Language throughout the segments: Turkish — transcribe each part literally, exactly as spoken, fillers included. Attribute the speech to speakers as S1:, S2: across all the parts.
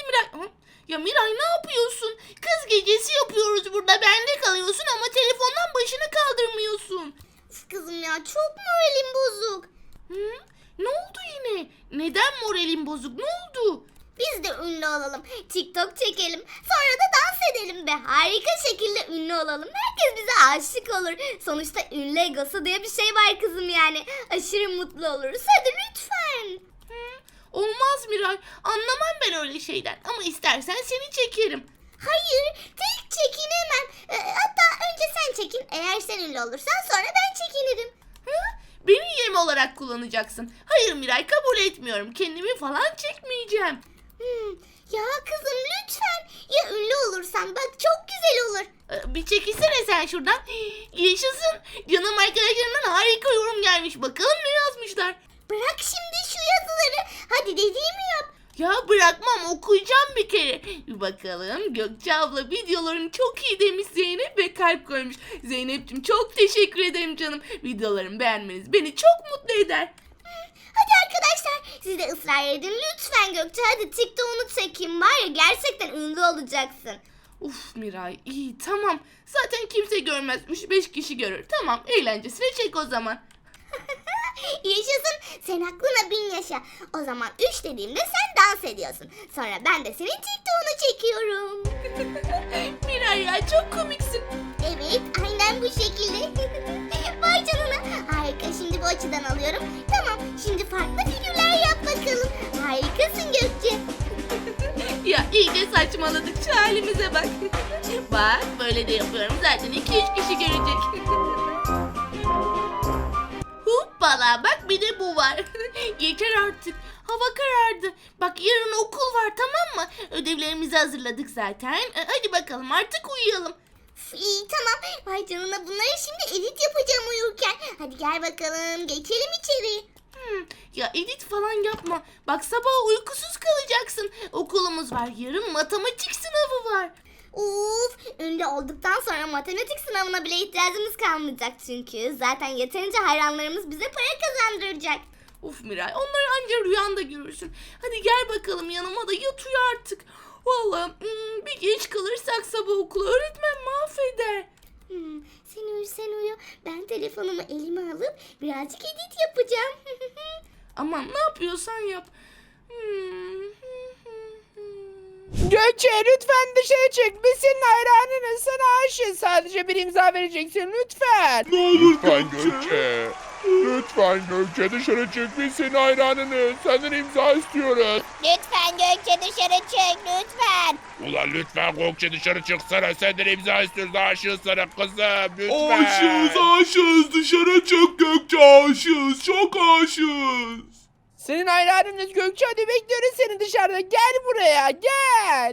S1: Miray? Hı? Ya Miray ne yapıyorsun? Kız gecesi yapıyoruz burada. Bende kalıyorsun ama telefondan başını kaldırmıyorsun.
S2: Üf kızım ya, çok moralim bozuk.
S1: Hı? Ne oldu yine? Neden moralin bozuk? Ne oldu?
S2: Biz de ünlü olalım. TikTok çekelim. Sonra da dans edelim ve harika şekilde ünlü olalım. Herkes bize aşık olur. Sonuçta ünlü egosu diye bir şey var kızım yani. Aşırı mutlu oluruz. Hadi lütfen.
S1: Hı? Olmaz Miray. Anlamam ben öyle şeyden. Ama istersen seni çekerim.
S2: Hayır, tek çekinemem. Ee, hatta önce sen çekin. Eğer sen ünlü olursan sonra ben çekinirim.
S1: Hı? Beni yem olarak kullanacaksın. Hayır Miray, kabul etmiyorum. Kendimi falan çekmeyeceğim.
S2: Hmm, ya kızım lütfen. Ya ünlü olursan bak çok güzel olur.
S1: Ee, Bir çekilsene sen şuradan. Yaşasın. Canım arkadaşlarımdan harika yorum gelmiş. Bakalım ne yazmışlar.
S2: Bırak şimdi şu yazıları. Hadi dediğimi yap.
S1: Ya bırakmam, okuyacağım bir kere. Bir bakalım. Gökçe abla videoların çok iyi demiş Zeynep ve kalp koymuş. Zeynep'ciğim çok teşekkür ederim canım. Videolarımı beğenmeniz beni çok mutlu eder.
S2: Hadi arkadaşlar siz de ısrar edin lütfen Gökçe. Hadi TikTok'unu çekeyim, var ya gerçekten ünlü olacaksın.
S1: Uf Miray, iyi tamam. Zaten kimse görmez. üç beş kişi görür. Tamam, eğlencesine çek o zaman.
S2: Yaşasın, sen aklına bin yaşa. O zaman üç dediğimde sen dans ediyorsun. Sonra ben de senin TikTok'unu çekiyorum.
S1: Miray ya, çok komiksin.
S2: Evet, aynen bu şekilde. Vay canına. Harika, şimdi bu açıdan alıyorum. Tamam, şimdi farklı figürler yap bakalım. Harikasın Gökçe.
S1: Ya iyice saçmaladık, şu halimize bak. Bak böyle de yapıyorum, zaten iki üç kişi görecek. Hoppala, bak bir de bu var. Yeter artık, hava karardı. Bak yarın okul var, tamam mı? Ödevlerimizi hazırladık zaten. E, Hadi bakalım artık uyuyalım.
S2: Üf, İyi tamam. Vay canına, bunları şimdi edit yapacağım uyurken. Hadi gel bakalım, geçelim içeri.
S1: Hmm, ya edit falan yapma. Bak sabah uykusuz kalacaksın. Okulumuz var, yarın matematik sınavı var.
S2: Uf, ünlü olduktan sonra matematik sınavına bile ihtiyacımız kalmayacak çünkü. Zaten yeterince hayranlarımız bize para kazandıracak.
S1: Uf Miray, onları anca rüyanda görürsün. Hadi gel bakalım yanıma da yat uyu artık. Vallahi hmm, bir geç kalırsak sabah okula öğretmen mahveder.
S2: Hmm, sen uyu sen uyu. Ben telefonumu elime alıp birazcık edit yapacağım.
S1: Aman ne yapıyorsan yap. Hmm.
S3: Gökçe lütfen dışarı çık. Biz senin hayranınız. Sana aşığız. Sadece bir imza vereceksin lütfen.
S4: Ne olur Lütfen Gökçe. Lütfen Gökçe dışarı çık. Biz senin hayranınız. Senden imza istiyoruz.
S2: Lütfen Gökçe dışarı çık lütfen.
S4: Ulan lütfen Gökçe dışarı çıksana. Senden imza istiyoruz. Aşığız sana kızım. Lütfen.
S5: Aşığız aşığız, dışarı çık Gökçe, aşığız, çok aşığız.
S3: Senin hayranınız Gökçe. Hadi bekliyoruz seni dışarıda. Gel buraya gel.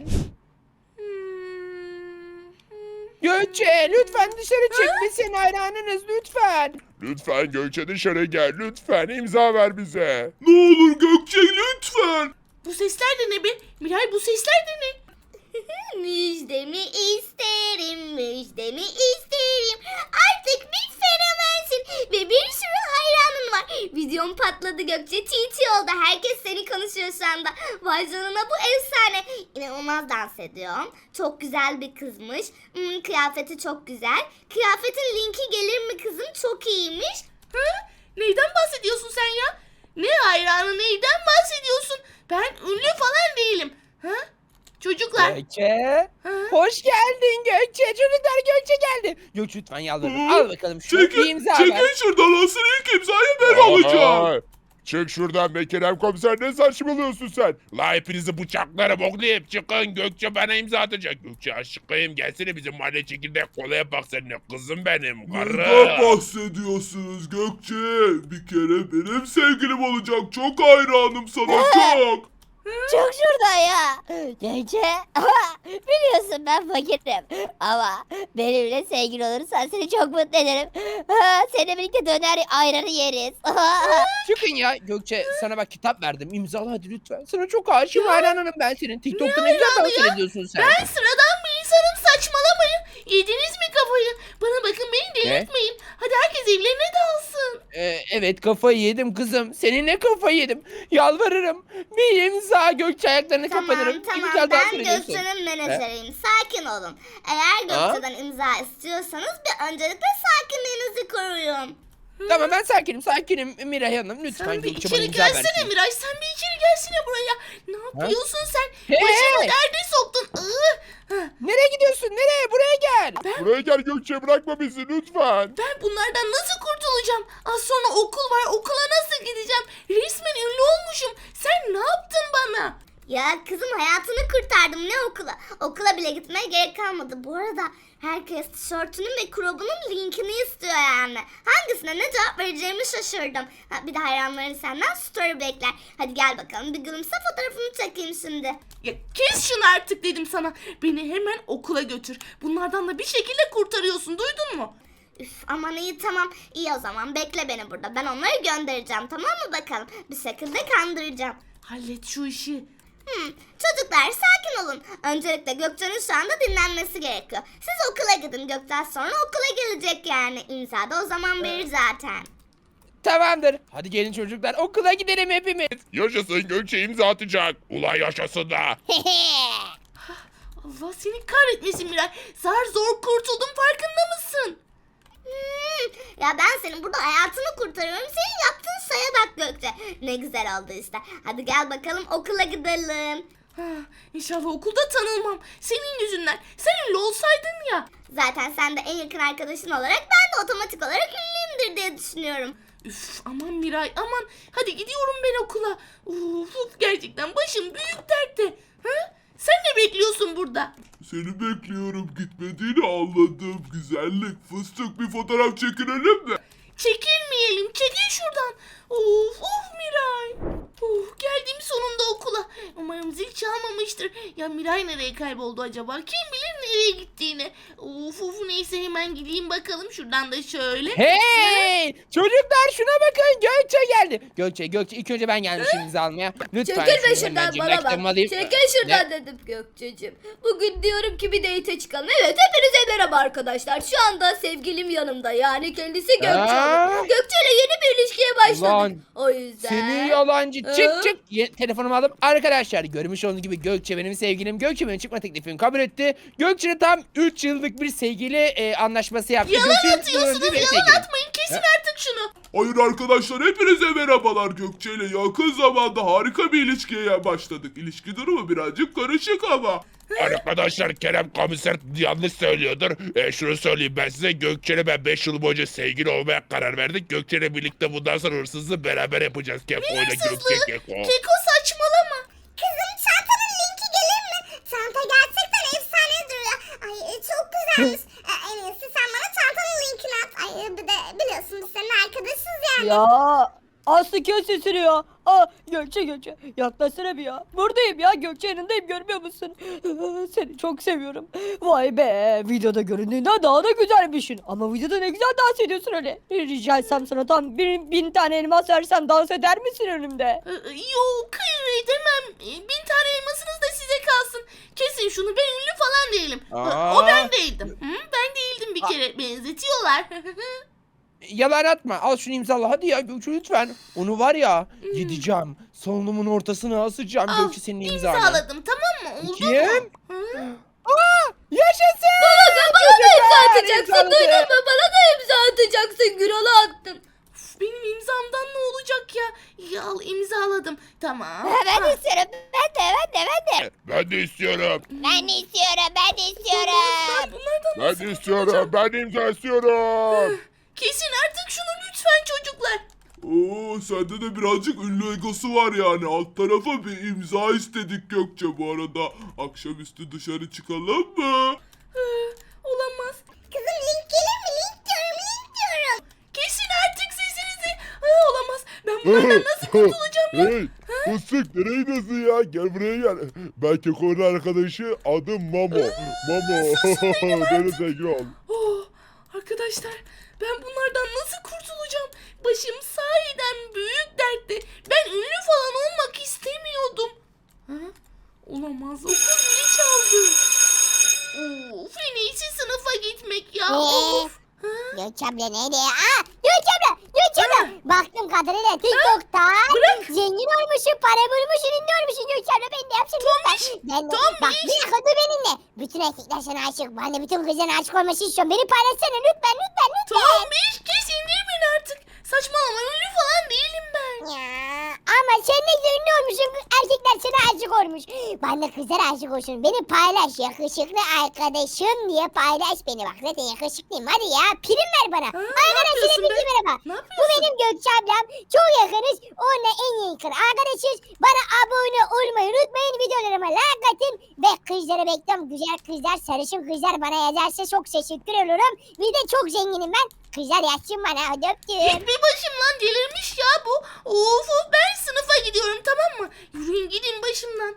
S3: Gökçe lütfen dışarı çık. Biz senin hayranınız lütfen.
S4: Lütfen Gökçe dışarı gel. Lütfen imza ver bize.
S5: Ne olur Gökçe lütfen.
S1: Bu sesler de ne be? Miray, bu sesler de ne?
S2: Müjdemi isterim, müjdemi isterim. Artık bir fenomensin ve bir sürü hayranın var. Videom patladı Gökçe, T T oldu. Herkes seni konuşuyor şu anda. Vay canına, bu efsane. İnanılmaz dans ediyorum. Çok güzel bir kızmış. Hmm, kıyafeti çok güzel. Kıyafetin linki gelir mi kızım? Çok iyiymiş.
S1: Ha? Neyden bahsediyorsun sen ya? Ne hayranı, neyden bahsediyorsun? Ben ünlü falan değilim. Ha? Çocuklar.
S3: Gökçe.
S1: Ha?
S3: Hoş geldin Gökçe. Çocuklar Gökçe geldi. Gökçe lütfen yalvarırım. Al bakalım şunu. Bir
S5: Çekin,
S3: imza ver.
S5: çekin şuradan, asıl ilk imzayı ben alacağım.
S4: Aha. Çık şuradan be Kerem komiser, ne saçmalıyorsun sen? La hepinizi bıçaklarım oğlum, çıkın. Gökçe bana imza atacak. Gökçe aşkım gelsene bizim mahalle çekirdek kolaya bak seninle, kızım benim
S5: Neden
S4: karı.
S5: bahsediyorsunuz Gökçe? Bir kere benim sevgilim olacak, çok hayranım sana, çok.
S6: Çok şurada ya. Gece. Biliyorsun ben fakirim. Ama benimle sevgili olursan seni çok mutlu ederim. Seninle birlikte döner ayranı yeriz.
S3: Çıkın ya Gökçe, sana bak kitap verdim, imzala hadi lütfen. Sana çok aşığım, hayranım ben senin. TikTok'ta ne güzel dans ediyorsun sen.
S1: Ben sıradan bir insanım, saçmalamayın. Yediniz mi kafayı? Bana bakın, beni delirtmeyin. Hadi herkes evlerine dalsın.
S3: Ee, evet kafayı yedim kızım. Seninle kafayı yedim. Yalvarırım. Bir imza Gökçe ayaklarını
S2: Tamam
S3: kapatırım.
S2: tamam
S3: İmza daha
S2: ben
S3: söylüyorsun.
S2: Gökçe'nin menajeriyim. Sakin olun. Eğer Gökçe'den imza istiyorsanız bir öncelikle sakinliğinizi koruyun.
S3: Tamam ben sakinim sakinim Miray Hanım. Lütfen
S1: Sen bir
S3: Gökçe bana
S1: içeri
S3: imza
S1: gelsene
S3: versin.
S1: Miray. Sen bir içeri gelsene buraya. Ne yapıyorsun sen?
S3: Hey!
S1: Başımı derde soktun. Iı. Hah,
S3: Nereye gidiyorsun? Nereye? Buraya gel.
S4: Buraya gel Gökçe, bırakma bizi lütfen.
S1: Ben bunlardan nasıl kurtulacağım? Az sonra okul var. Okula nasıl gideceğim? Resmen ünlü olmuşum. Sen ne yaptın bana?
S2: Ya kızım hayatını kurtardım ne okula? Okula bile gitmeye gerek kalmadı. Bu arada herkes tişörtünün ve crobunun linkini istiyor yani. Hangisine ne cevap vereceğimi şaşırdım. Ha, bir de hayranların senden story bekler. Hadi gel bakalım bir gülümse fotoğrafını çekeyim şimdi.
S1: Ya kes şunu artık dedim sana. Beni hemen okula götür. Bunlardan da bir şekilde kurtarıyorsun. Duydun mu?
S2: Üf aman iyi tamam. İyi o zaman bekle beni burada. Ben onları göndereceğim tamam mı bakalım. Bir şekilde kandıracağım.
S1: Hallet şu işi.
S2: Hmm, çocuklar sakin olun. Öncelikle Gökçe'nin şu anda dinlenmesi gerekiyor. Siz okula gidin. Gökçe sonra okula gelecek yani. İmza da o zaman verir zaten.
S3: Tamamdır. Hadi gelin çocuklar okula gidelim hepimiz.
S4: Yaşasın, Gökçe imza atacak. Ulan yaşasın da.
S1: Allah seni kahretmesin Miray. Zar zor kurtuldum, farkında mısın?
S2: Hmm, ya ben senin burada hayatını kurtarıyorum. Senin yaptığın şeye bak Gökçe. Ne güzel oldu işte. Hadi gel bakalım okula gidelim.
S1: Ha, İnşallah okulda tanılmam. Senin yüzünden. Sen ünlü olsaydın ya.
S2: Zaten sen de en yakın arkadaşın olarak ben de otomatik olarak ünlüyümdür diye düşünüyorum.
S1: Üf, aman Miray aman. Hadi gidiyorum ben okula. Uf, uf, gerçekten başım büyük dertte. Ha? Sen ne bekliyorsun burada?
S5: Seni bekliyorum, gitmediğini anladım. Güzellik, fıstık, bir fotoğraf çekinelim mi?
S1: Çekilmeyelim. Çekil şuradan. Of of Miray. Uf, geldim sonunda okula. Umarım zil çalmamıştır. Ya Miray nereye kayboldu acaba? Kim bilir nereye gittiğini. Of of neyse hemen gideyim bakalım. Şuradan da şöyle.
S3: Hey! Çocuklar şuna bakın Gökçe geldi. Gökçe Gökçe ilk önce ben gelmişim imza almaya. Lütfen
S7: Çekil be
S3: şunu
S7: şuradan
S3: hemencik
S7: bana
S3: reklamı
S7: bak.
S3: alayım.
S7: Çekil şuradan
S3: Ne?
S7: dedim Gökçe'cim. Bugün diyorum ki bir date çıkalım. Evet hepinize merhaba arkadaşlar. Şu anda sevgilim yanımda. Yani kendisi Gökçe
S3: Aa.
S7: Hanım. Gökçe'yle yeni bir ilişkiye başladık.
S3: Ulan,
S7: O yüzden.
S3: Seni yalancı.
S7: Hı?
S3: Çık çık. Ye- telefonumu aldım. Arkadaşlar görmüş olduğunuz gibi Gökçe benim sevgilim. Gökçe benim çıkma teklifimi kabul etti. Gökçe tam üç yıllık bir sevgili e, anlaşması yaptı.
S1: Yalan
S3: Gökçe
S1: atıyorsunuz.
S3: benim
S1: Yalan
S3: sevgilim.
S1: atmayın. Kesin artık şunu.
S5: Hayır arkadaşlar, hepinize merhabalar. Gökçe ile yakın zamanda harika bir ilişkiye başladık. İlişki durumu birazcık karışık ama.
S4: Arkadaşlar, Kerem komiser yanlış söylüyordur. E, şunu söyleyeyim ben size. Gökçe'yle ben beş yıl boyunca sevgili olmaya karar verdik. Gökçe'yle birlikte bundan sonra hırsızlığı beraber yapacağız. Keko ile Gökçe
S1: Hırsızlığı.
S4: Keko.
S1: Keko saçmalama.
S2: Kızım çantanın linki gelir mi? Çanta gerçekten efsane duruyor. Ay e, çok güzelmiş. E, en iyisi sen bana çantanın linkini at. Ay e, bir de biliyorsun biz senin arkadaşız yani.
S7: Ya Aslı kes sesini ya. Aa, Gökçe Gökçe yaklaşsana bir ya. Buradayım ya Gökçe yanındayım görmüyor musun? Seni çok seviyorum. Vay be videoda göründüğünden daha da güzelmişsin. Ama videoda ne güzel dans ediyorsun öyle. Rica etsem sana tam bin, bin tane elmas versem dans eder misin önümde?
S1: Ee, Yok hayır edemem. Ee, Bin tane elmasınız da size kalsın. Kesin şunu, ben ünlü falan değilim.
S3: Aa.
S1: O ben değildim. Hı? Ben değildim bir kere. Benzetiyorlar.
S3: Yalan atma. Al şunu imzala. Hadi ya Gökçe lütfen. Onu var ya gideceğim. Salonumun ortasına asacağım
S1: Al,
S3: Gökçe senin imzanı.
S1: İmzaladım tamam mı? Oldu
S3: Kim?
S1: mu? Hı?
S3: Aa, yaşasın.
S7: Bana da imza
S3: Çocuklar,
S7: atacaksın
S3: imzaladı.
S7: duydun mu? Bana da imza atacaksın. Gürol'a attım.
S1: Üf, Benim imzamdan ne olacak ya? Ya al imzaladım. Tamam.
S6: Ben
S1: Ha,
S6: de istiyorum. Ben de ben de ben de.
S4: Ben de istiyorum.
S6: Ben de istiyorum. Ben de
S1: Ben
S6: istiyorum.
S1: bunlardan
S4: Ben
S1: nasıl
S4: de
S1: kurtulacağım?
S4: istiyorum. Ben de imza istiyorum.
S1: Kesin artık şunu lütfen çocuklar.
S5: Oo, sende de birazcık ünlü egosu var yani. Alt tarafa bir imza istedik Gökçe bu arada. Akşamüstü dışarı çıkalım mı?
S1: Hı, Olamaz.
S2: Kızım link gelir mi? Link diyorum link diyorum.
S1: Kesin artık sesinizi. Hı, Olamaz. Ben bunlardan nasıl kurtulacağım ya?
S4: Hey, fıstık nereye gidiyorsun ya? Gel buraya gel. Ben Keko'nun arkadaşı, adım Mamo. Mamo. Benim sevgili ol.
S1: Oh, arkadaşlar ben bunlardan nasıl kurtulacağım? Başım sahiden büyük dertte. Ben ünlü falan olmak istemiyordum. Ha? Olamaz, okul zili çaldı. Of, en iyisi sınıfa gitmek ya.
S6: Ee?
S1: Of. Ha?
S6: Gökçe abla neydi ya? Aa, Gökçe abla, Gökçe abla. Baktım kadarıyla TikTok'ta zengin olmuşsun, para bulmuşsun, ünlü olmuşsun Gökçe abla. Ben de yapsın lütfen. Ben de,
S1: Tombiş.
S6: bak bir dakika dur benimle. Bütün erkekler sana aşık. Ben de bütün kızların aşık olması istiyorum. Beni paylaşsana lütfen, lütfen, lütfen.
S1: Tombiş kes indir beni artık. Saçmalama ünlü falan değilim ben.
S6: Ya, ama sen ne güzel ünlü olmuşsun. Erkekler sana aşık olmuş. Ben de kızlara aşık olsun. Beni paylaş. Yakışıklı arkadaşım diye paylaş beni. Bak zaten yakışıklıyım. Hadi ya prim ver bana.
S1: Ha, ne
S6: Arkadaşlar
S1: yapıyorsun
S6: hepinize
S1: be?
S6: merhaba.
S1: Ne
S6: Bu
S1: yapıyorsun?
S6: benim Gökçe ablam. Çok yakınız. Onunla en yakın arkadaşız. Bana abone olmayı unutmayın. Videolarıma like atın. Ve kızları bekliyorum. Güzel kızlar, sarışın kızlar bana yazarsa çok teşekkür olurum. Bir de çok zenginim ben. Kızlar yazsın bana. Hadi öptüm.
S1: Git bir başımdan delirmiş ya bu. Of of ben sınıfa gidiyorum tamam mı? Yürüyün gidin başımdan.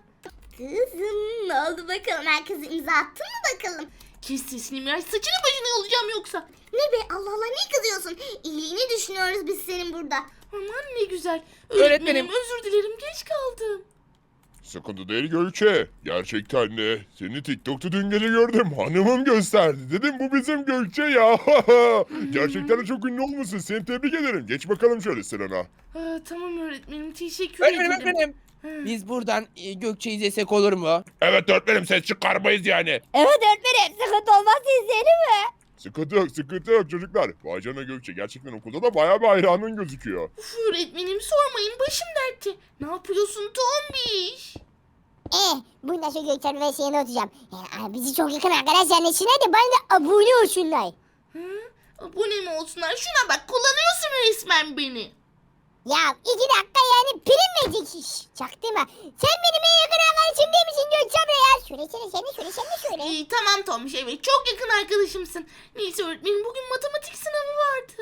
S2: Kızım ne oldu bakalım? Herkes imza attın mı bakalım?
S1: Kes sesini Miray saçını başını yolacağım yoksa.
S2: Ne be Allah Allah ne kızıyorsun? İyiliğini düşünüyoruz biz senin burada.
S1: Aman ne güzel.
S3: Öğretmenim.
S1: Öğretmenim özür dilerim geç kaldım.
S4: Sıkıntı değil Gökçe. Gerçekten de seni TikTok'ta dün gece gördüm. Hanımım gösterdi. Dedim bu bizim Gökçe ya. Gerçekten de çok ünlü olmuşsun. Seni tebrik ederim. Geç bakalım şöyle sırana.
S1: Aa, tamam öğretmenim teşekkür
S3: Öğretmenim
S1: ederim.
S3: öğretmenim.
S1: Ha.
S3: Biz buradan e, Gökçe'yi izlesek olur mu?
S4: Evet öğretmenim ses çıkarmayız yani.
S6: Evet öğretmenim. Sıkıntı olmazsa izleyelim mi?
S4: Sıkıntı yok sıkıntı yok çocuklar. Vay canına Gökçe gerçekten okulda da bayağı bir hayranın gözüküyor.
S1: Uf, öğretmenim sormayın başım dertte. Ne yapıyorsun Tombiş?
S6: Eh, bundan sonra Gökçe abla ve şeyine oturacağım. Yani, bizi çok yakın arkadaşlar neşine de bana da abone olsunlar.
S1: Hı? Abone mi olsunlar? Şuna bak kullanıyorsun resmen beni.
S6: Ya iki dakika yani prim verecek iş. Çaktırma. Sen benim en yakın arkadaşım değil misin Gökçe abla ya? Şöyle şöyle şöyle şöyle şöyle şöyle.
S1: İyi tamam Tombiş evet çok yakın arkadaşımsın. Neyse öğretmenim bugün matematik sınavı vardı.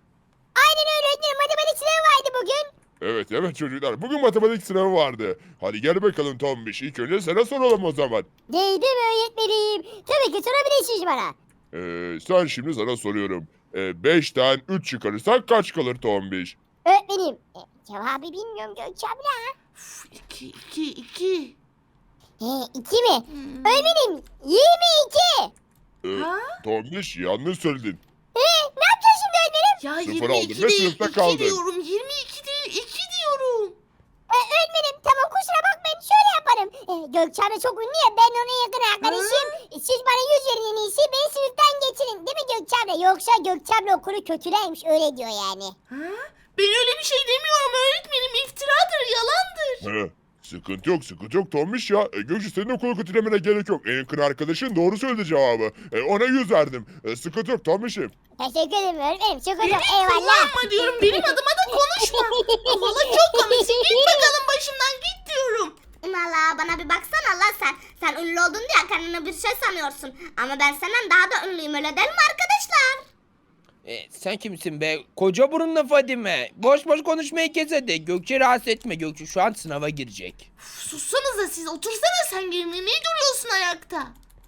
S6: Aynen öyle öğretmenim matematik sınavı vardı bugün.
S4: Evet evet çocuklar bugün matematik sınavı vardı. Hadi gel bakalım Tombiş. İlk önce sana soralım o zaman.
S6: Değdi mi öğretmenim? Tabii ki sorabilirsiniz bana.
S4: Ee, sen şimdi sana soruyorum. Ee, beşten üç çıkarırsak kaç kalır Tombiş?
S6: Öğretmenim. E, cevabı bilmiyorum Gökçe abla.
S1: Uf, iki iki iki.
S6: He iki mi?
S1: Hmm.
S6: Öğretmenim yirmi iki.
S4: Ee,
S1: Ha?
S4: Tombiş yanlış söyledin.
S6: He ne yapacağız şimdi öğretmenim?
S1: Ya
S4: Sıfır
S1: yirmi iki
S4: aldın ve
S1: değil
S4: sınıfta
S1: iki
S4: kaldın.
S1: diyorum. yirmi iki değil iki diyorum.
S6: E, öğretmenim tamam kusura bakmayın şöyle yaparım. E, Gökçe abla çok ünlü ya ben ona yakın arkadaşım. E, Siz bana yüz verin en iyisi beni sınıftan geçirin değil mi Gökçe abla? Yoksa Gökçe abla okulu kötüleymiş öyle diyor yani.
S1: Ha? Ben öyle bir şey demiyorum öğretmenim. İftiradır, yalandır.
S4: He, sıkıntı yok sıkıntı yok Tombiş ya. E, Gökçe senin okulu kötülemene gerek yok. En yakın arkadaşın doğru söyledi cevabı. E, ona yüz verdim. E, sıkıntı yok Tombiş'im.
S6: Teşekkür ederim öğretmenim çok
S1: Beni
S6: hocam eyvallah.
S1: kullanma diyorum. Benim adıma da konuşma. Valla çok komiksin. Git bakalım başımdan git diyorum.
S2: Valla bana bir baksana Allah sen. Sen ünlü oldun diye kendine bir şey sanıyorsun. Ama ben senden daha da ünlüyüm öyle değil mi arkadaşlar?
S3: E, sen kimsin be? Koca burunlu Fadime. Boş boş konuşmayı kes hadi. Gökçe rahatsız etme. Gökçe şu an sınava girecek.
S1: Uf, sussanıza siz. Otursana sen yerine. Ne duruyorsun ayakta?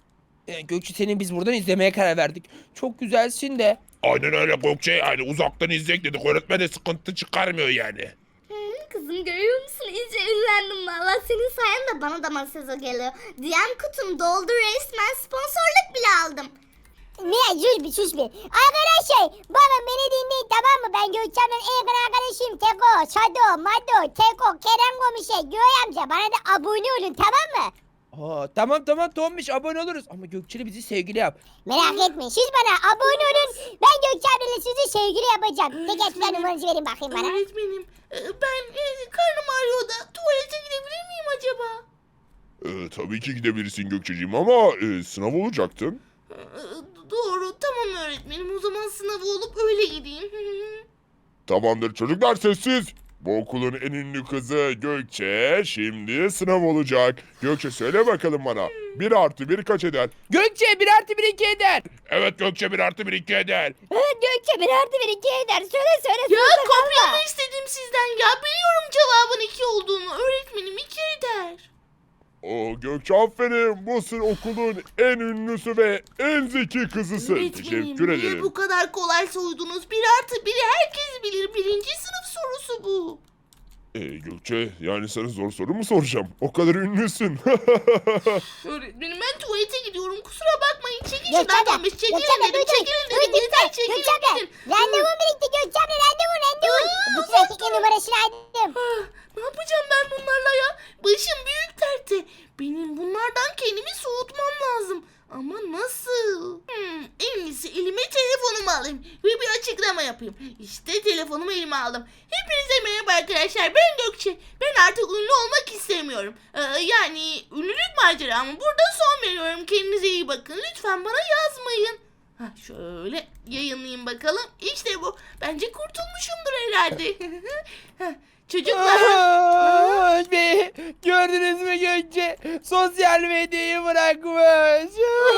S3: E, Gökçe seni biz buradan izlemeye karar verdik. Çok güzelsin de.
S4: Aynen öyle Gökçe yani uzaktan izleyek dedik. Öğretmen de sıkıntı çıkarmıyor yani.
S2: Hmm, kızım görüyor musun? İyice ünlendim valla. Senin sayende bana da mesaj geliyor. D M kutum doldu resmen. Sponsorluk bile aldım.
S6: Ne sus bir sus bir. Arkadaşlar bakın beni dinleyin tamam mı? Ben Gökçe ablanın en yakın arkadaşıyım. Teko, Sado, Mado, Teko, Kerem Gomişe, Göğe amca. Bana da abone olun tamam mı?
S3: Aa, tamam tamam Tombiş abone oluruz. Ama Gökçe'yle bizi sevgili yap.
S6: Merak etmeyin siz bana abone olun. Ben Gökçe ablayla sizi sevgili yapacağım. Tek etmen numaranızı verin bakayım bana.
S1: Öğretmenim. e, Ben e, karnım ağrıyor da tuvalete gidebilir miyim acaba?
S4: E, tabii ki gidebilirsin Gökçeciğim ama e, sınav olacaktın.
S1: E, Doğru tamam öğretmenim. O zaman sınavı olup öyle gideyim.
S4: Tamamdır çocuklar sessiz. Bu okulun en ünlü kızı Gökçe şimdi sınav olacak. Gökçe söyle bakalım bana. Bir artı bir kaç eder?
S3: Gökçe bir artı bir iki eder.
S4: Evet Gökçe bir artı bir iki eder.
S6: Evet Gökçe bir artı bir iki eder. Söyle söyle
S1: Ya
S6: sınıfta
S1: kopya
S6: kalma.
S1: mı istedim sizden ya? Biliyorum cevabın iki olduğunu. Öğretmenim iki eder.
S4: Oo Gökçe aferin. Bu sın okulun en ünlüsü ve en zeki kızısın.
S1: Öğretmenim
S4: Teşekkür
S1: niye
S4: ederim.
S1: bu kadar kolay soydunuz? Bir artı biri herkes bilir. Birinci sınıf sorusu bu.
S4: Ee, Gökçe yani sana zor soru mu soracağım? O kadar ünlüsün.
S1: Öğretmenim ben tuvalete gidiyorum. Kusura bakmayın. Çekil
S6: Gökçe
S1: şuradan
S6: abla,
S1: Tombiş. Çekilin
S6: Gökçe abla,
S1: dedim.
S6: dur, dur.
S1: Çekilin
S6: Dur,
S1: dedim.
S6: dur,
S1: Yeter
S6: dur.
S1: çekilin
S6: Gökçe abla,
S1: dedim.
S6: randevum birikti Gökçe abla, randevu, randevu. Bütün erkeklerin numarasını aldım.
S1: Ah, ne yapacağım ben bunlarla ya? Başım büyük dertte. Benim bunlardan kendimi soğutmam lazım. Ama nasıl? Hmm, en iyisi elime telefonumu alayım ve bir açıklama yapayım. İşte telefonumu elime aldım. Hepinize merhaba arkadaşlar. Ben Gökçe. Ben artık ünlü olmak istemiyorum. Ee, yani ünlülük maceramı burada son veriyorum. Kendinize iyi bakın. Lütfen bana yazmayın. Ha, şöyle yayınlayayım bakalım. İşte bu. Bence kurtulmuşumdur herhalde. Heh, Çocuklar.
S3: Aa, be, gördünüz mü Gökçe? Sosyal medyayı bırakmış.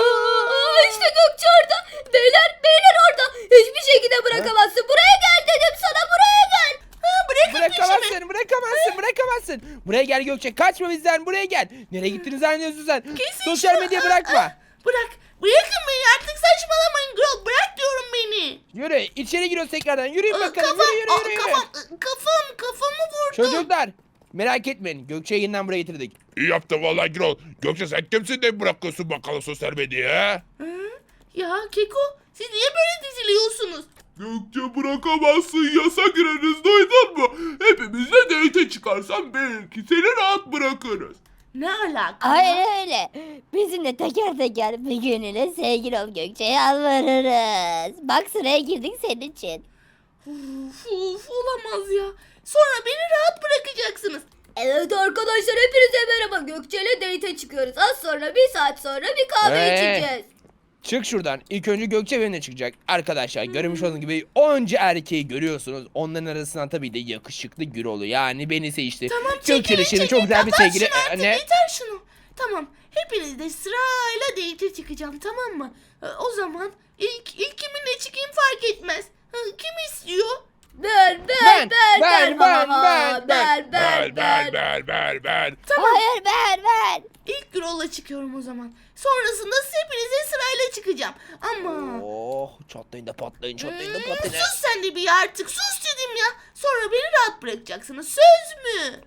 S7: Aa, işte Gökçe orada. Beyler beyler orada. Hiçbir şekilde bırakamazsın. Buraya gel dedim sana, buraya gel.
S1: Ha, bırakın peşimi.
S3: Bırakamazsın, bırakamazsın, bırakamazsın. Buraya gel Gökçe, kaçma bizden, buraya gel. Nereye gittiniz zannediyorsun sen?
S1: Kesin
S3: Sosyal
S1: şunu.
S3: medya
S1: Aa,
S3: bırakma.
S1: aa, Bırak. Bırakın beni artık saçmalamayın Grol. Bırak diyorum beni.
S3: Yürü, içeri giriyoruz tekrardan. Yürüyün
S1: Aa,
S3: bakalım,
S1: kafam,
S3: yürü, yürü,
S1: aa,
S3: yürü, yürü.
S1: kafam, kafam, kafamı vurdu.
S3: Çocuklar, merak etmeyin. Gökçe'yi yeniden buraya getirdik.
S4: İyi yaptın vallahi Gürol. Gökçe sen kimsin de bırakıyorsun bakalım sosyal medyaya?
S1: Hı? Ya Keko, siz niye böyle diziliyorsunuz?
S5: Gökçe bırakamazsın, yasa gireriz, duydun mu? Hepimizle date çıkarsan belki seni rahat bırakırız.
S1: Ne alaka?
S6: Aynen öyle. Bizimle teker teker bir gününe sevgili ol Gökçe, yalvarırız. Bak sıraya girdik senin için.
S1: Uf, uf, olamaz ya. Sonra beni rahat bırakacaksınız.
S7: Evet arkadaşlar, hepinize merhaba. Gökçe ile date çıkıyoruz. Az sonra, bir saat sonra bir kahve
S3: Ee?
S7: içeceğiz.
S3: Çık şuradan. İlk önce Gökçe benimle çıkacak. Arkadaşlar görmüş olduğunuz gibi onca erkeği görüyorsunuz. Onların arasından tabii de yakışıklı Gürol'u yani beni seçti.
S1: Tamam
S3: Gökçe'nin
S1: çekilin
S3: şimdi
S1: çekilin.
S3: çok güzel bir
S1: Kapat
S3: sevgili.
S1: şunu artık,
S3: Ee, ne?
S1: yeter şunu. Tamam hepiniz de sırayla date çıkacağım tamam mı? Ee, O zaman ilk, ilk kiminle çıkayım fark etmez. Ha, Kim istiyor?
S7: Ben
S3: Ben,
S7: ben ben
S3: ben, ben, ben,
S7: ben
S4: Ver ver ver ver ver.
S6: Hayır ben ben.
S1: İlk Gürol'la çıkıyorum o zaman. Sonrasında hepinize sırayla çıkacağım. Ama...
S3: Oh çatlayın da patlayın çatlayın da
S1: Hmm,
S3: patlayın.
S1: sus sen de bir artık sus dedim ya. Sonra beni rahat bırakacaksınız söz mü?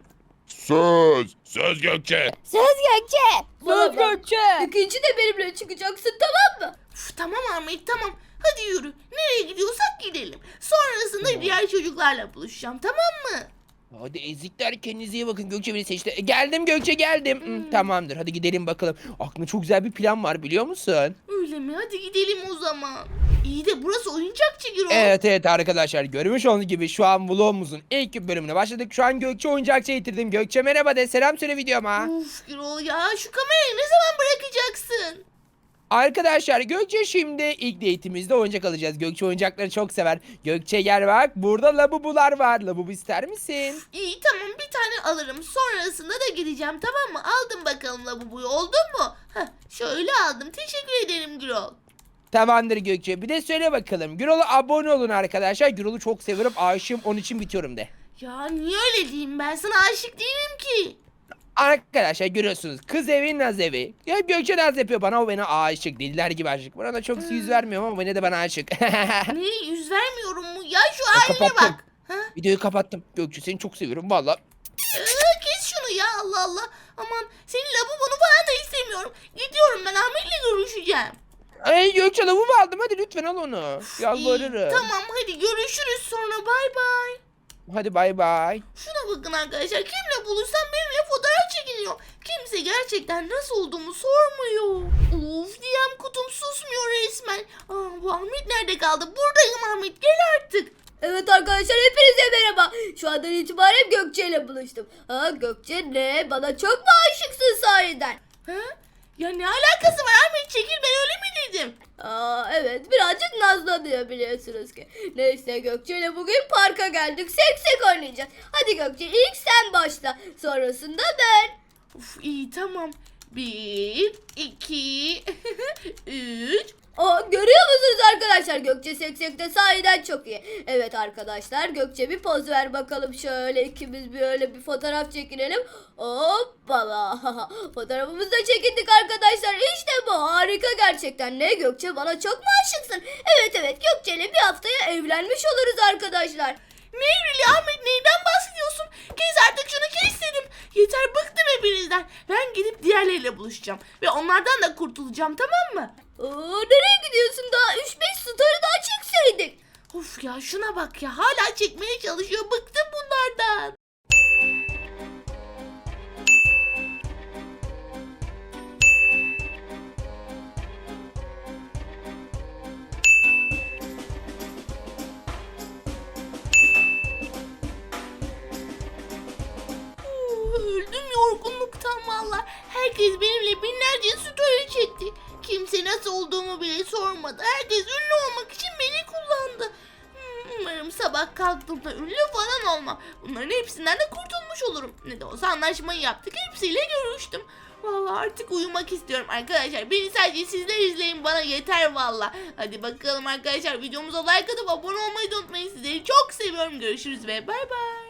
S4: Söz. Söz Gökçe.
S6: Söz Gökçe.
S7: Söz Gökçe. İkinci de benimle çıkacaksın, tamam mı?
S1: Uf, tamam Ahmet tamam. Hadi yürü. Nereye gidiyorsak gidelim. Sonrasında diğer çocuklarla buluşacağım tamam mı?
S3: Hadi ezikler kendinize iyi bakın Gökçe beni seçti. E, Geldim Gökçe geldim. Hı, tamamdır hadi gidelim bakalım. Aklımda çok güzel bir plan var biliyor musun?
S1: Öyle mi? Hadi gidelim o zaman. İyi de burası oyuncakçı Gürol.
S3: Evet evet arkadaşlar görmüş olduğunuz gibi şu an vlogumuzun ilk bölümüne başladık. Şu an Gökçe oyuncakçıya getirdim. Gökçe merhaba de selam söyle videoma.
S1: Uf Gürol ya şu kamerayı ne zaman bırakacaksın?
S3: Arkadaşlar Gökçe şimdi ilk date'imizde oyuncak alacağız. Gökçe oyuncakları çok sever. Gökçe gel bak burada labubular var. Labubu ister misin?
S1: İyi tamam bir tane alırım. Sonrasında da gideceğim tamam mı? Aldım bakalım labubuyu oldu mu? Heh, şöyle aldım. Teşekkür ederim Gürol.
S3: Tamamdır Gökçe. Bir de söyle bakalım. Gürol'a abone olun arkadaşlar. Gürol'u çok seviyorum. Aşığım onun için bitiyorum de.
S1: Ya niye öyle diyeyim ben sana aşık değilim ki.
S3: Arkadaşlar görüyorsunuz kız evi naz evi. Ya Gökçe naz yapıyor bana o bana aşık. Deliler gibi aşık. Bana da çok yüz vermiyorum ama bana de bana aşık.
S1: Ne yüz vermiyorum mu? Ya şu haline
S3: kapattım.
S1: bak. Ha?
S3: Videoyu kapattım. Gökçe seni çok seviyorum valla.
S1: Ee, kes şunu ya Allah Allah. Aman senin lavabonu falan da istemiyorum. Gidiyorum ben Ahmet'le görüşeceğim.
S3: Ay Gökçe lavumu aldım hadi lütfen al onu.
S1: İyi,
S3: Yalvarırım.
S1: tamam hadi görüşürüz sonra bay bay.
S3: Hadi bay bay.
S1: Şuna bakın arkadaşlar kimle buluşsam benimle fotoğraf çekiniyor. Kimse gerçekten nasıl olduğumu sormuyor. Of D M kutum susmuyor resmen. Aa, bu Ahmet nerede kaldı? Buradayım Ahmet gel artık.
S7: Evet arkadaşlar, hepinize merhaba. Şu andan itibaren Gökçe ile buluştum. Ha Gökçe ne? Bana çok mu aşıksın sahiden?
S1: Ha? Ya ne alakası var Ahmet çekil ben öyle mi dedim?
S7: Aa evet, birazcık nazlanıyor biliyorsunuz ki. Neyse Gökçe ile bugün parka geldik. Seksek oynayacağız. Hadi Gökçe ilk sen başla. Sonrasında ben.
S1: Of iyi tamam. Bir, iki, üç.
S7: Aa, görüyor musunuz arkadaşlar? Gökçe seksekte sahiden çok iyi. Evet arkadaşlar, Gökçe bir poz ver bakalım. Şöyle ikimiz bir öyle bir fotoğraf çekinelim. Hoppala. Fotoğrafımızı da çekindik arkadaşlar. İşte bu harika gerçekten. Ne Gökçe, bana çok mu aşıksın? Evet evet, Gökçe ile bir haftaya evlenmiş oluruz arkadaşlar.
S1: Ne evrili Ahmet, neyden bahsediyorsun? Kes artık şunu, kes dedim. Yeter, bıktım hepinizden. Ben gidip diğerleriyle buluşacağım. Ve onlardan da kurtulacağım, tamam mı?
S2: Aa, nereye gidiyorsun daha? üç beş starı daha çekseydik.
S1: Of ya, şuna bak ya, hala çekmeye çalışıyor. Bıktım bunlardan. Uh, Öldüm yorgunluktan valla. Herkes benimle binlerce story çekti. Kimse nasıl olduğumu bile sormadı. Herkes ünlü olmak için beni kullandı. Hmm, Umarım sabah kalktığımda ünlü falan olmam. Bunların hepsinden de kurtulmuş olurum. Ne de olsa anlaşmayı yaptık. Hepsiyle görüştüm. Vallahi artık uyumak istiyorum arkadaşlar. Beni sadece sizler izleyin, bana yeter valla. Hadi bakalım arkadaşlar, videomuza like atıp abone olmayı da unutmayın. Sizleri çok seviyorum. Görüşürüz ve bay bay.